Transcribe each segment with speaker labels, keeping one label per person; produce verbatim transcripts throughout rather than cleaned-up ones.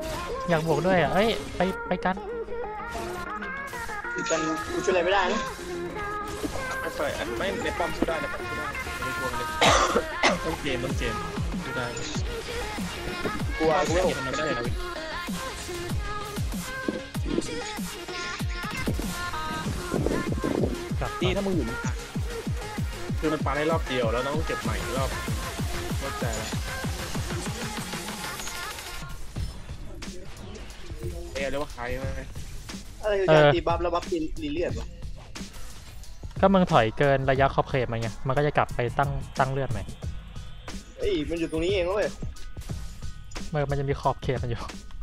Speaker 1: อยากบวกด้วยอ่ะเอ้ยไปไปกัน
Speaker 2: กันกูช่วยอะไรไม่ได้นะ
Speaker 3: ไม่เปิดไม่ในป้อมสู้ได้ในป้อมสู้ได้ไม่กลัวเลยต้องเกมต้องเกมสู้ได้
Speaker 2: กลัวกูไม่
Speaker 3: ทำไม่ได้เลย
Speaker 1: กลับ
Speaker 3: นี่ถ้ามึงอยู่คือมันปาได้รอบเดียวแล้วต้องเก็บใหม่รอบรอบใจแล้วเอเรียกว่าใครไหม
Speaker 2: อะไรคือการตีบัฟแล้วบัฟตีรีเลียดวะ
Speaker 1: ก็มึงถอยเกินระยะขอบเขตมันไงมันก็จะกลับไปตั้งตั้งเลือดใหม่
Speaker 2: เอ้ยมันอยู่ตรงนี้เองเว้ย
Speaker 1: เมื่อมันจะมีขอบเขตมันอยู่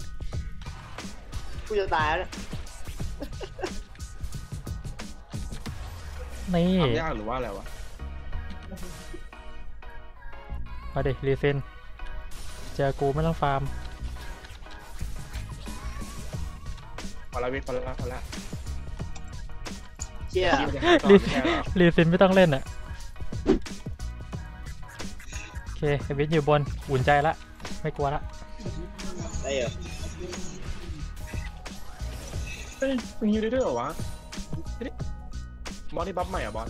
Speaker 2: กูจะตายแล้ว
Speaker 1: นี่
Speaker 3: ทำยากหรือว่าอะไรวะ
Speaker 1: มาดิรีเซนเจอกูไม่ต้องฟาร์ม
Speaker 3: พอละวิพอละพอละ
Speaker 2: เชี่ย
Speaker 1: รีรีเซนไม่ต้องเล่นอ่ะโอเควิทอยู่บนอุ่นใจละไม่กลัวละ
Speaker 2: ได้เหรอ
Speaker 3: เฮ้ยมึงยิงได้ด้วยเหรอวะบอสที่บัฟใหม่อ่ะบอส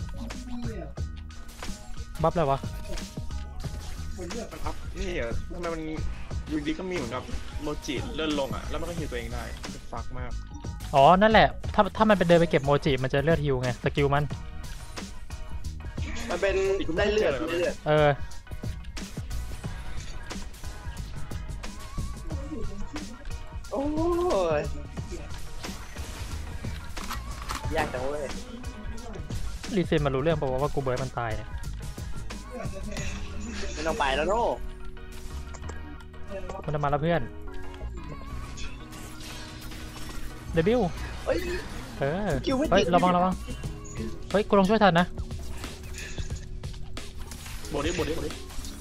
Speaker 1: บัฟอะไรวะ
Speaker 3: มันอัพนี่เหรอทำไมมันอยู่ดีก็มีเหมือนกับโมจิเลื่อนลงอ่ะแล้วมันก็ฮิวตัวเองได้ฟักมาก
Speaker 1: อ๋อนั่นแหละถ้าถ้ามันเป็นเดินไปเก็บโมจิมันจะเลือดฮิวไงสกิลมัน
Speaker 2: มันเป็นได้เลือดเลือด
Speaker 1: เออ
Speaker 2: โอ้ยยากจังเว้ย
Speaker 1: รีเซนมารู้เรื่องป่าวว่ากูเบิร์ดมันตายเนี่ย
Speaker 2: ไม่ต้องไปแล้วโน่
Speaker 1: มันจะมาแล้วเพื่อนเดบิวเฮ้ยเฮ้ยระวังระวังเฮ้ยกูลองช่วยทันนะ
Speaker 3: บดดิบดดิบดดิ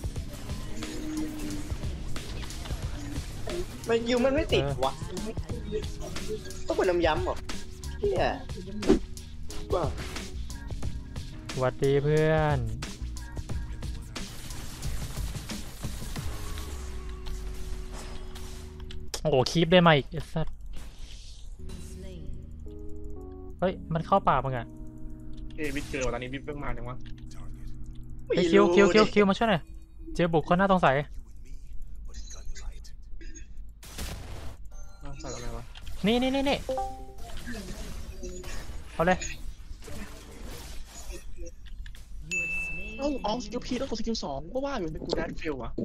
Speaker 2: มันยิวมันไม่ติดวะต้องเป็นน้ำย้ำหรอเฮียว้า
Speaker 1: สวัสดีเพื่อนโอ้โหคีปได้มาอีกไอ้สัสเฮ้ยมันเข้าป่ามึงอ่ะ
Speaker 3: เอวิทเจอตอนนี้วิทเพิ่งมาจังวะ
Speaker 1: ไอ้คิวคิวคิวคิวมาช่วยหน่อยเจอบุกคนหน้าต้องใส่
Speaker 3: ใส่อะไรวะ
Speaker 1: นี่นี่นี่นี่เอาเลย
Speaker 3: เอ้าอ๋อสกิลพีต้องกดสกิลสองก็ว่าอยู่ในกูแดนฟิลวะ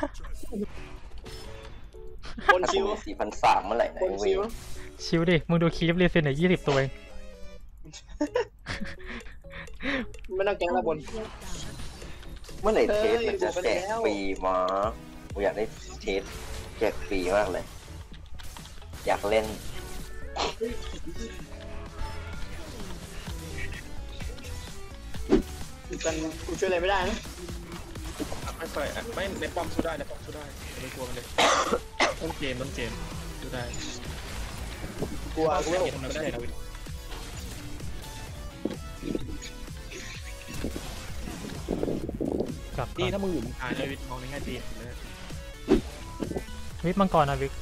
Speaker 2: คนชิว
Speaker 4: สี่พันสามเมื่อไหร่นะ
Speaker 2: ชิว
Speaker 1: ชิวดิมึงดูคีฟรีเซนเนี่ยยี่สิบตัวเอง
Speaker 2: ไม่ต้องแกงละบน
Speaker 4: เมื่อไหร่เทสมันจะแจกฟรีมากูอยากได้เทสแจกฟรีมากเลยอยากเล่น
Speaker 2: กันกูช่วยอะไรไม่ได้นะ
Speaker 3: ไม่เปิดไม่ในป้อมสู้ได้ในป้อมสู้ได้ไม่กลัวมันเลยต้องเกมต้องเกมสู้ได้
Speaker 2: กลัวกู
Speaker 3: ทำไม่ได้นะวินนี่ถ้ามึงอยู่มึงตายเลยวินมองในแง่ดีเลย
Speaker 1: วิทมังกรนะวิก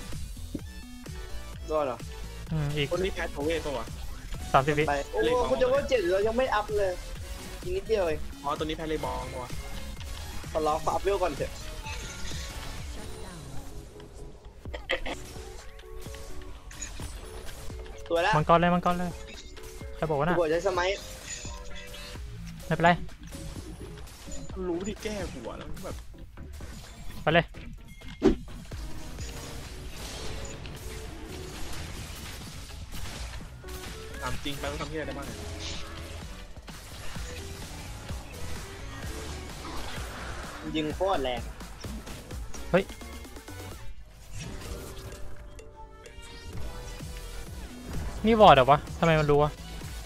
Speaker 2: ก็เหรอ
Speaker 1: อืมอีก
Speaker 3: คนนี้แพ้โทเว่ตัว
Speaker 1: สามสิบวิ
Speaker 2: โอ้โหคุณจะว่าเจ็ดเรายังไม่อัพเลยอีกนิดเดียวเอง
Speaker 3: อ๋อตัวนี้แพ้เลยบองว่ะ
Speaker 2: ขอรออัพเวลก่อนเถอะตัวแล้ว
Speaker 1: มังกรเลยมังกรเลยใครบอกว่าน่ะ
Speaker 2: กูใช้สมัย
Speaker 1: ไม่เป็นไร
Speaker 3: รู้ที่แก้หัวแล้วแบบ
Speaker 1: ไปเลย
Speaker 3: ถามจริงไปต้องทำที่อะไรได้บ้าง
Speaker 2: ยิงโคตรแรง
Speaker 1: เฮ้ยนี่วอร์ดเหรอวะทำไมมันรู้วะ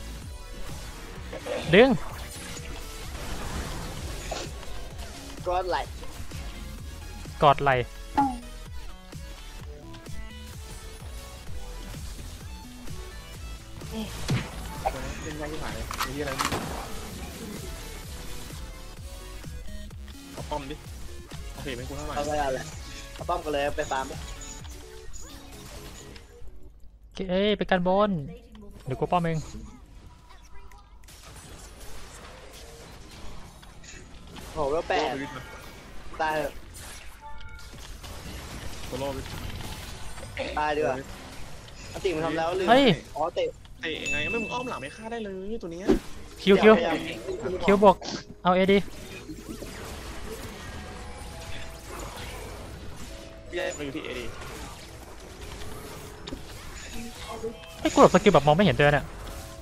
Speaker 1: ดึง
Speaker 2: กอดไหล
Speaker 1: กอดไหล
Speaker 3: เป็นไงที่ผ่านเลยมีอะไรเอาป้อมดิโอเคเป็นกูเท่าไหร่
Speaker 2: เอาไปเอาเลยเอาป้อมกันเลยไปฟาร์ม
Speaker 1: เอ้ยไปกันบนเดี๋ยวกูป้อมเอง
Speaker 2: โอ้โหแล้วแปดตาย
Speaker 3: โซโล่ไป
Speaker 2: ตายดีกว่าอติมันทำแล้วลืม
Speaker 1: เฮ้ย
Speaker 2: อ๋อเตะ
Speaker 3: เตะยังไงไม่มึงอ้อมหลังไม่ฆ่าได้เลยตัวเนี้ย
Speaker 1: คิวคิว
Speaker 2: พยายาม
Speaker 1: คิวบวกเอาเอดี
Speaker 3: พี่ได้มาอยู่ที่เอดี
Speaker 1: ไอ้กูแบบสกิลแบบมองไม่เห็นเดินเนี่ย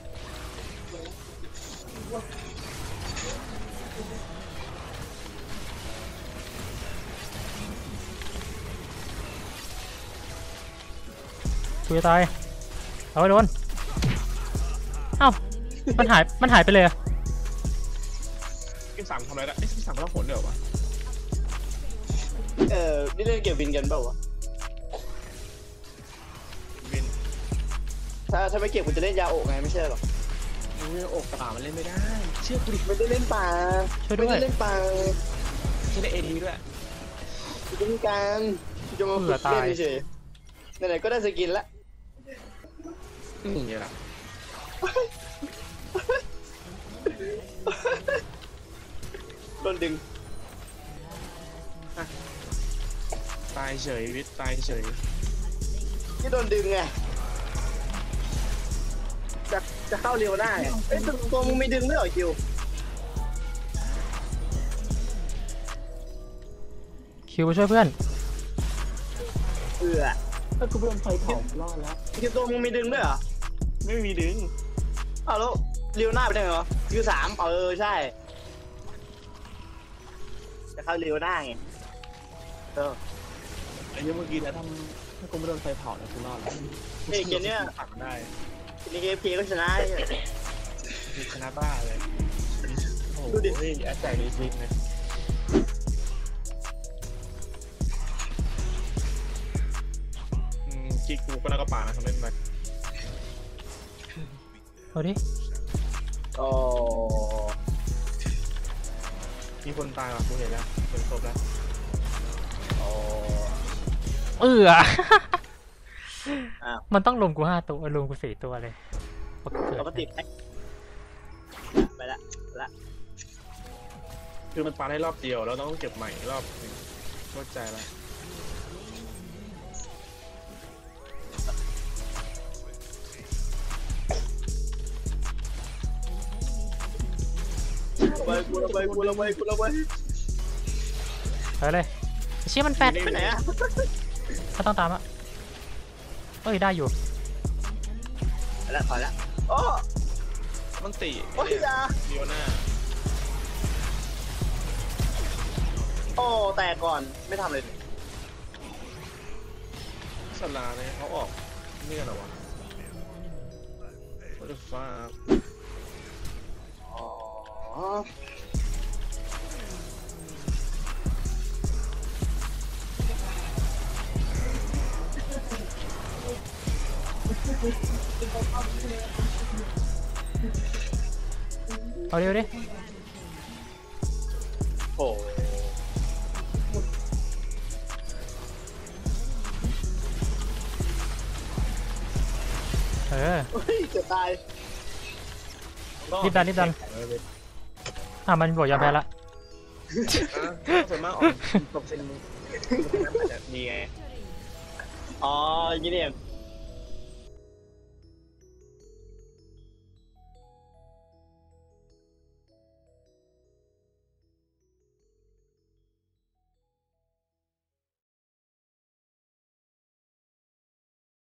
Speaker 1: กูจะตายเอาไปโดนเอ้ามันหายมันหายไปเลยอะ
Speaker 3: พี่สามทำอะไรได้ไอ้พี่สามก็ต้องผลเดี๋ยววะ
Speaker 2: เออนี่เล่นเก็บวินกันเปล่าวะ
Speaker 3: วิน
Speaker 2: ถ้าถ้าไม่เก็บกูจะเล่นยาโอะไงไม่ใช่หรอ
Speaker 3: มึงอกป่ามันเล่นไม่ได้เชื่อกูดิ
Speaker 2: ไม่ได้เล่นป่า
Speaker 1: ช่วยด้
Speaker 2: ไม่
Speaker 1: วย
Speaker 2: ได้เล่นป่า
Speaker 3: จะได้เอดีด้วย
Speaker 2: กูจะมีการกูจะมาฝึกเล่นเฉยๆไหนๆก็ได้สกินละ
Speaker 3: นี่ไงล่ะ
Speaker 2: โดนดึง
Speaker 3: ตายเฉยวิทย์ตายเฉย
Speaker 2: ที่โดนดึงไงจะจะเข้าเร็วได้เอ้ยตัวมึงไม่ดึงด้วยเหรอคิว
Speaker 1: คิวไปช่วยเพื่อน
Speaker 2: เอือ
Speaker 3: ถ้ากูโดนไฟเผารอดแล้ว
Speaker 2: คิวตัวมึงไม่ดึงด้วยเหรอ
Speaker 3: ไม่มีดึง
Speaker 2: อ้าวแล้วเร็วหน้าไปได้ไงวะคิวสามเออใช่จะเข้าเร็วหน้าไงเออ
Speaker 3: ไอ้เมื่อกี้แล้วทำถ้ากูไม่โดนไฟเผาเนี่ยกูรอดแล้ว
Speaker 2: เฮ้ยเกมเนี้ย
Speaker 3: ตัดได้
Speaker 2: ในเกมเพก็ชนะ
Speaker 3: คือชนะบ้าเลยโอ้โห
Speaker 2: ดูดิ
Speaker 3: แอดแจกดีซิงเลยอืมกิ๊กกูก็น่ากระป่านะทำเล่นไป
Speaker 1: เอาดิ
Speaker 2: โอ้
Speaker 3: มีคนตายว่ะกูเห็นแล้วเป็นศพแล้ว
Speaker 2: โอ้
Speaker 1: เออ
Speaker 2: อ้าว
Speaker 1: มันต้องลงกูห้าตัวลงกูสี่ตัวเลยปกติ
Speaker 2: ปกติไปไปละละ
Speaker 3: คือมันปาได้รอบเดียวแล้วต้องเก็บใหม่รอบหนึงเข้าใจแล้ว
Speaker 2: ไปกูละไปกูละไปกูละไป
Speaker 1: ไปเลยไอ้เชี่ยมันแฟด
Speaker 2: ไปไหนอะ
Speaker 1: ก็ต้องตามอ่ะเอ้ยได้อยู่
Speaker 2: ไปละถอยละโอ้
Speaker 3: มันตี
Speaker 2: โอ้ยยา
Speaker 3: เดียวหน้า
Speaker 2: โอ้แต่ก่อนไม่ทำเลย
Speaker 3: สลาเนี่ยเขาออกนี่กันเหรอวะ What the fuck
Speaker 2: อ๋อ
Speaker 1: เอาดิเอาดิ
Speaker 2: โอ้
Speaker 1: เออ
Speaker 2: เฮ้ยจะตาย
Speaker 1: รีบดันรีบดัน อ่ะมันบอกยอมแพ้ละ
Speaker 3: อ่ะส่วนมากออกตบเซนมึงอาจจะดีไง
Speaker 2: อ๋อยี่นี่เอง